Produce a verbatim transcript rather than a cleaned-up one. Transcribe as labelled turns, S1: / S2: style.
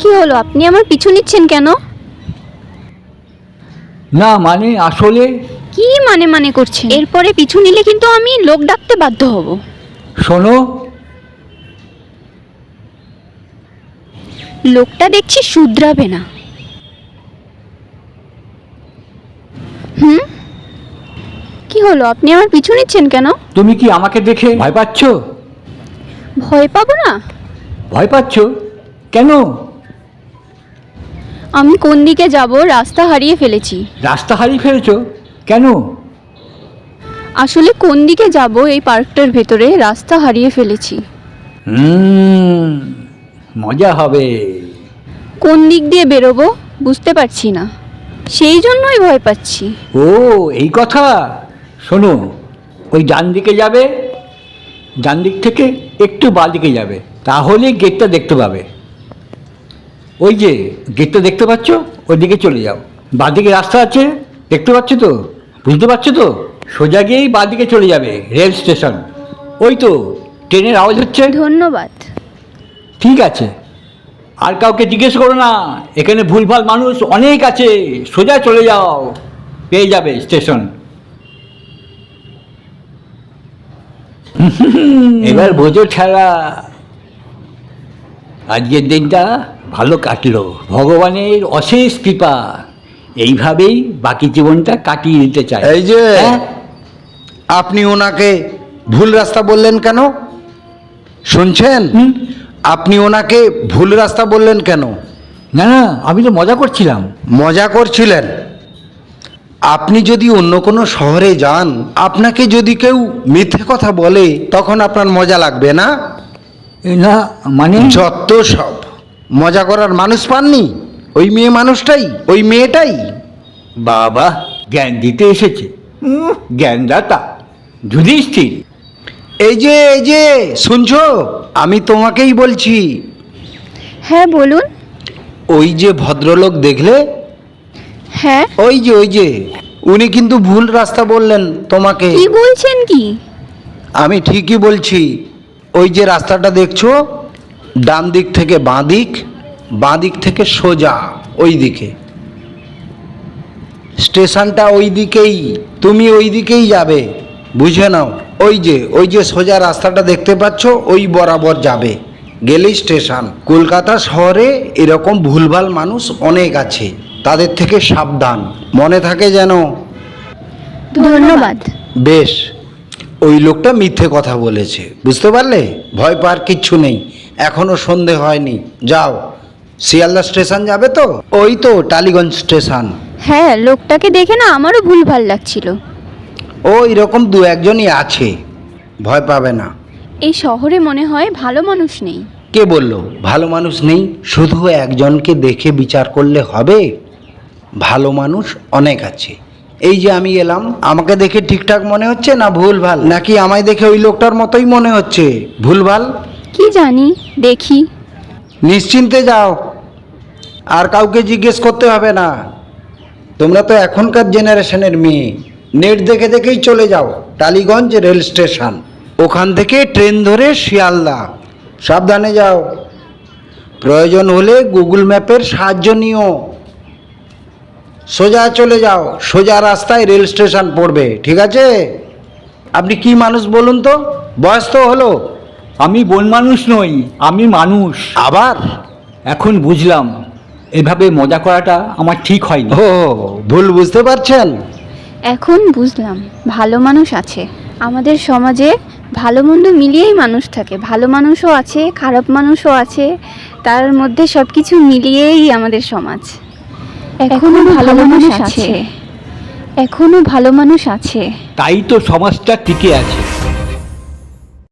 S1: কি হলো, আপনি আমার পিছু নিচ্ছেন কেন?
S2: না মানে আসলে
S1: কি মানে মানে করছেন? এরপরে পিছু নিলে কিন্তু আমি লোক ডাকতে বাধ্য হব।
S2: শোনো,
S1: লোকটা দেখছি শুধরাবে না। হুম, কি হলো, আপনি আমার পিছু নিচ্ছেন কেন?
S2: তুমি কি আমাকে দেখে ভয় পাচ্ছ?
S1: ভয় পাবো না?
S2: ভয় পাচ্ছ কেন?
S1: আমি কোন দিকে যাব রাস্তা হারিয়ে ফেলেছি।
S2: রাস্তা হারিয়ে ফেলেছো কেন?
S1: আসলে কোন দিকে যাব এই পার্কটার ভেতরে রাস্তা হারিয়ে ফেলেছি।
S2: হুম, মজা হবে।
S1: কোন দিক দিয়ে বেরোবো বুঝতে পারছি না, সেই জন্যই ভয় পাচ্ছি।
S2: ও এই কথা। শোনো, ওই ডান দিকে যাবে, ডান দিক থেকে একটু বাঁ দিকে যাবে, তাহলে গেটটা দেখতে পাবে। ওই যে গেটটা দেখতে পাচ্ছ, ওই দিকে চলে যাও। বাঁ দিকে রাস্তা আছে, দেখতে পাচ্ছ তো, বুঝতে পারছো তো? সোজা গিয়েই বাঁ দিকে চলে যাবে, রেল স্টেশন। ওই তো ট্রেনের আওয়াজ হচ্ছে।
S1: ধন্যবাদ।
S2: ঠিক আছে, আর কাউকে জিজ্ঞেস করো না, এখানে ভুলভাল মানুষ অনেক আছে। সোজা চলে যাও, পেয়ে যাবে স্টেশন। এবার বোঝো ঠেলা। আজকের দিনটা ভালো কাটলো, ভগবানের অশেষ কৃপা। এইভাবেই বাকি জীবনটা কাটিয়ে দিতে চাই।
S3: এই যে
S2: হ্যাঁ?
S3: আপনি ওনাকে ভুল রাস্তা বললেন কেন? শুনছেন?
S2: হুম?
S3: আপনি ওনাকে ভুল রাস্তা বললেন কেন?
S2: না না, আমি তো মজা করছিলাম।
S3: মজা করছিলেন? আপনি যদি অন্য কোনো শহরে যান, আপনাকে যদি কেউ মিথ্যে কথা বলে, তখন আপনার মজা লাগবে না?
S2: এ না মানে
S3: যত সব মজা করার মানুষ পাননি, ওই মেয়ে মানুষটাই, ওই মেয়েটাই।
S2: বাবা জ্ঞান দিতে এসেছে। উম, জ্ঞানদাতা যুধিষ্ঠির।
S3: এই যে এই যে শুনছো, আমি তোমাকেই বলছি।
S1: হ্যাঁ বলুন।
S3: ওই যে ভদ্রলোক দেখলে,
S1: হ্যাঁ,
S3: ওই যে ওই যে উনি কিন্তু ভুল রাস্তা বললেন তোমাকে।
S1: কি বলছেন কি?
S3: আমি ঠিকই বলছি। ওই যে রাস্তাটা দেখছো, ডান দিক থেকে বাঁ দিক, বাঁ দিক থেকে সোজা ওই দিকে। স্টেশনটা ওই দিকেই, তুমি ওই দিকেই যাবে, বুঝে নাও। ওই যে ওই যে সোজা রাস্তাটা দেখতে পাচ্ছ, ওই বরাবর যাবে, গেলেই স্টেশন। কলকাতা শহরে এরকম ভুলভাল মানুষ অনেক আছে, তাদের থেকে সাবধান, মনে থাকে যেন।
S1: ধন্যবাদ।
S3: বেশ, ওই লোকটা মিথ্যে কথা বলেছে, বুঝতে পারলে? ভয় পাওয়ার কিচ্ছু নেই, এখনো সন্ধে হয়নি। যাও, শিয়ালদা স্টেশন যাবে তো? ওই তো টালিগঞ্জ স্টেশন।
S1: হ্যাঁ, লোকটাকে দেখে না আমারও ভুল ভাল লাগছিল।
S3: ও এরকম দু একজনই আছে, ভয় পাবে না।
S1: এই শহরে মনে হয় ভালো মানুষ নেই।
S3: কে বললো ভালো মানুষ নেই? শুধু একজনকে দেখে বিচার করলে হবে? ভালো মানুষ অনেক আছে। এই যে আমি এলাম, আমাকে দেখে ঠিকঠাক মনে হচ্ছে না ভুলভাল? নাকি আমায় দেখে ওই লোকটার মতোই মনে হচ্ছে ভুলভাল?
S1: কি জানি, দেখি।
S3: নিশ্চিন্তে যাও, আর কাউকে জিজ্ঞেস করতে হবে না। তোমরা তো এখনকার জেনারেশনের মেয়ে, নেট দেখে দেখেই চলে যাও টালিগঞ্জ রেল স্টেশন, ওখান থেকে ট্রেন ধরে শিয়ালদা। সাবধানে যাও, প্রয়োজন হলে গুগল ম্যাপের সাহায্য নিও। সোজা চলে যাও, সোজা রাস্তায় রেল স্টেশন পড়বে, ঠিক আছে? আপনি কি মানুষ বলুন তো? বয়স তো হলো।
S2: আমি বন মানুষ নই, আমি মানুষ।
S3: আবার
S2: এখন বুঝলাম এভাবে মজা করাটা আমার ঠিক হয়নি।
S3: ও ভুল বুঝতে পারছেন?
S1: এখন বুঝলাম, ভালো মানুষ আছে আমাদের সমাজে। ভালো মন্দ মিলিয়েই মানুষ থাকে, ভালো মানুষও আছে, খারাপ মানুষও আছে, তার মধ্যে সব কিছু মিলিয়েই আমাদের সমাজ। এখনো ভালো মানুষ আছে, এখনো ভালো মানুষ আছে।
S2: তাই তো সমাজটা টিকে আছে।